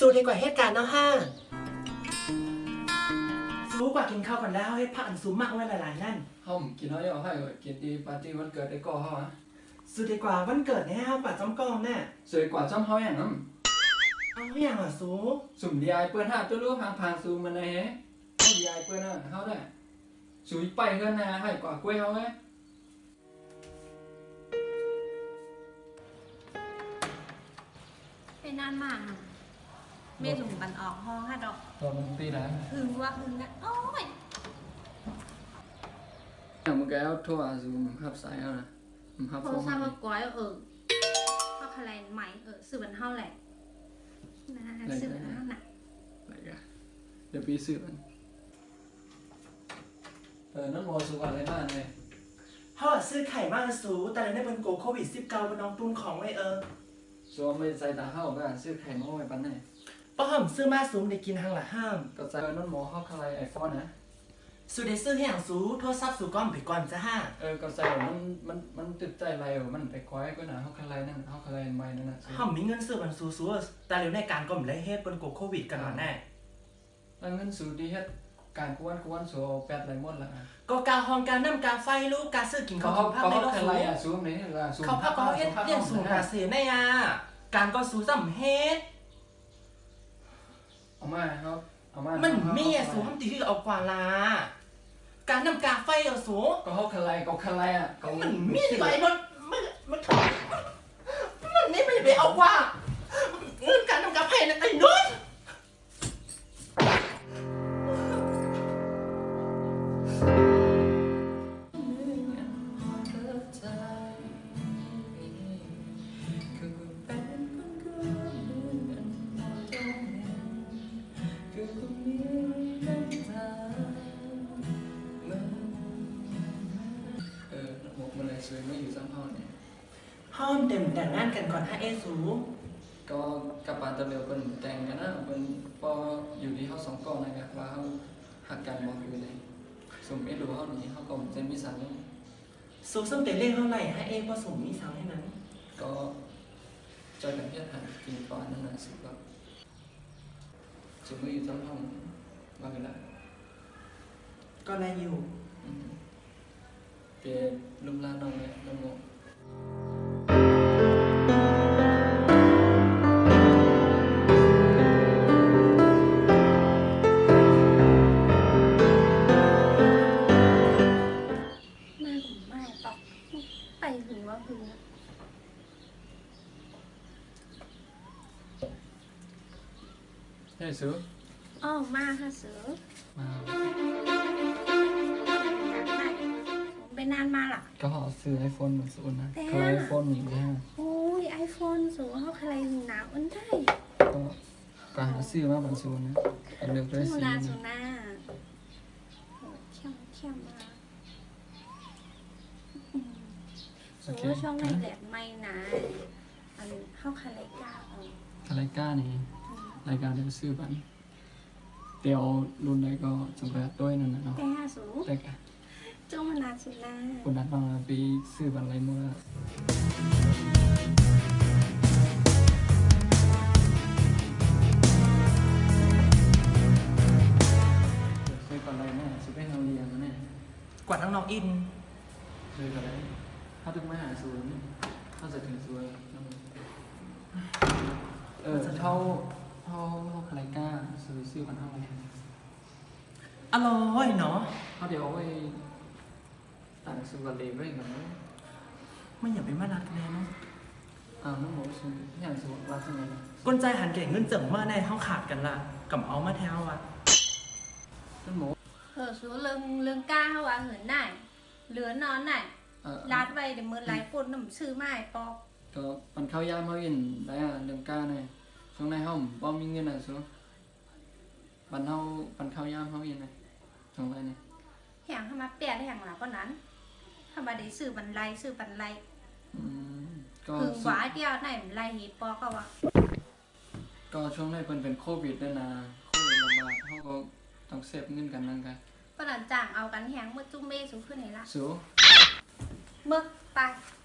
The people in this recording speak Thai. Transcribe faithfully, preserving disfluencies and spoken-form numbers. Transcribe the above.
สู้ดีกว่าเหตุการณ์เนาะห้าสู้กว่ากินข้าวก่อนแล้วให้พักอันสูงมากไว้หลายๆนั่นห้องกินน้อยเอาให้กินดีปาร์ตี้วันเกิดได้ก็เฮาอ่ะสู้ดีกว่าวันเกิดเนี่ยห้ากว่าจอมกองแน่สวยกว่าจอมเฮาอย่างนั้นเอาอย่างอ่ะสู้สุ่มดีไอเปิ้นห้าตัวรู้พางพางซูมันเลยเฮ้เอาดีไอเปิ้นอ่ะเฮาได้สุยไปเฮือนนะให้กว่ากล้วยเฮาเว้ยเป็นนานมากเมถุงบันออกห้องห้าดอกตัวมันตีนะหึงว่าหึงนะโอ้ยอย่างมึงแกเอาโทรอาซูมขับสายเอานะมึงขับโทรศัพท์ก็ก้อยเออข้าวคะแนนใหม่เออซื้อบันเท่าแหละนะซื้อบันเท่าหนักอะไรกันเดี๋ยวปีซื้อมันเออนั่นโมสุวรรณอะไรบ้างเลยเขาซื้อไข่มากสู้แต่ในเป็นโกโควิดสิบเก้าเป็นน้องตุนของไว้เออส่วนไม่ใส่ตาเข้าก็ซื้อไข่มาไว้ปันไหนป้าห้ามซื้อมาสูงได้กินทางละห้ามก็ใส่นั่นโมเข้าอะไรไอโฟนนะสูได้ซื้อให้อย่างสูโทรศัพท์สูก้อมไปก่อนจ้าห้าเออก็ใส่มันมันมันติดใจอะไรอ่ะมันไปคว้าก็นะเข้าอะไรนั่นเข้าอะไรใหม่นั่นน่ะห้ามมีเงินซื้อมันสูสูแต่เร็วในการก็ไม่ได้เฮ็ดเป็นโกโควิดกันหรอแน่แล้วเงินสูดีเฮ็ดการกวนกวนสูแปดไรหมดละก็การห้องการน้ำการไฟลูกการซื้อกินข้าวกินผักในโลกสูเขาพักก็เฮ็ดเรื่องสูงกาเสียแน่ยาการก็สูสัมเฮ็ดเอามาครับเอามามันมีอ่ะสูทำตีที่เอากว่าลาการนำกาไฟเอาสูก็เขาคลายก็คลายอ่ะมันมีดีกว่าไอ้มันมันมันมันนี่ไม่ไปเอากว่าเรื่องการนำกาไฟนะไอ้นุ่นสวยไม่อยู่ซ้ำห้องเนี่ยห้องเต็มแต่งงานกันก่อนฮะเอสูก็กับปาตะเลียวเป็นแต่งกันนะเป็นพออยู่ที่เขาสองก้อนนะครับว่าเขาหักกันมองอยู่เลยสมเอ็ดดูเขาหนีเขาก็จะมีสังสูงส้มเตะเล่เท่าไหร่ฮะเอพอสูงมีสังให้นั้นก็จอยกันเพี้ยนหันกินก่อนนั่นแหละสุดแบบสมไม่อยู่ซ้ำห้องว่ากันละก็ได้อยู่เปลี่ยนลุมลานน้องเลยน้องโมแม่ผมไม่ตอกไปหึงว่าหึงเฮ้ยซื้ออ๋อมาค่ะซื้อมาไปนานมาล่ะก็ขอซื้อไอโฟนเหมือนสูนนะเคยไอโฟนหนีแล้โอ้ยไอโฟนสูเขาใครหนาวอันได้ก็ก็หาซื้อมาบางสูนนะเลือกได้สีนะสูน่าเข้มเข้มมาสูช่องในแหลมไม่นะอันเข้าคาไลก้าเอาคาไลก้านี่รายการเดี๋ยวซื้อบันเดี๋ยวรุ่นใดก็จำแบบด้วยนั่นนะเนาะแต่สูแต่กะจ้องมานานสุดนะคุณนัดมาปีซื้อบันไรเมื่อซื้อก่อนไรแม่ซื้อให้เราเรียนแม่กว่าทั้งน้องอินซื้อก่อนไรถ้าถึงมาหาศูนย์ถ้าจะถึงศูนย์เออเท่าเท่าเท่าคาไลก้าซื้อซื้อกันเท่าไหร่อร่อยเนาะเขาเดี๋ยวไปต่างสุวรรณเลยเหมือนไม่อยากไปมานัดกันเลยเนาะอ้าวน้องหมูซื้ออย่างสุวรรณรักยังไงก้นใจหันเก่งเงินเจิ๋งเมื่อในห้องขาดกันละกับเอามาแถวอ่ะน้องหมูเออสูเรื่องเรื่องก้าเขาว่าเหินได้เหลือนอนได้รัดไว้เดี๋ยวมือไหลปนน้ำซื้อไม้ปอกก็มันเข้ายามเขาอินได้อ่ะเรื่องก้าเนี่ยช่วงในห้องบ่มีเงินอ่ะสูบันเท่าบันเข้ายามเขาอินเลยช่วงไรเนี่ยแห่งทำมาเปลี่ยนแห่งหลังก็นั้นทำมาได้ซื้อบันไลซื้อบันไลคือหวาเดียวไหนไลหีปอก็ว่าก็ช่วงแรกเป็นเป็นโควิดด้วยนะโควิดระบาดเขาก็ต้องเซฟเงินกันนั่งกันก็หลังจากเอากันแห่งเมื่อจุ้มเมสูขึ้นไหนละสูเมื่อไป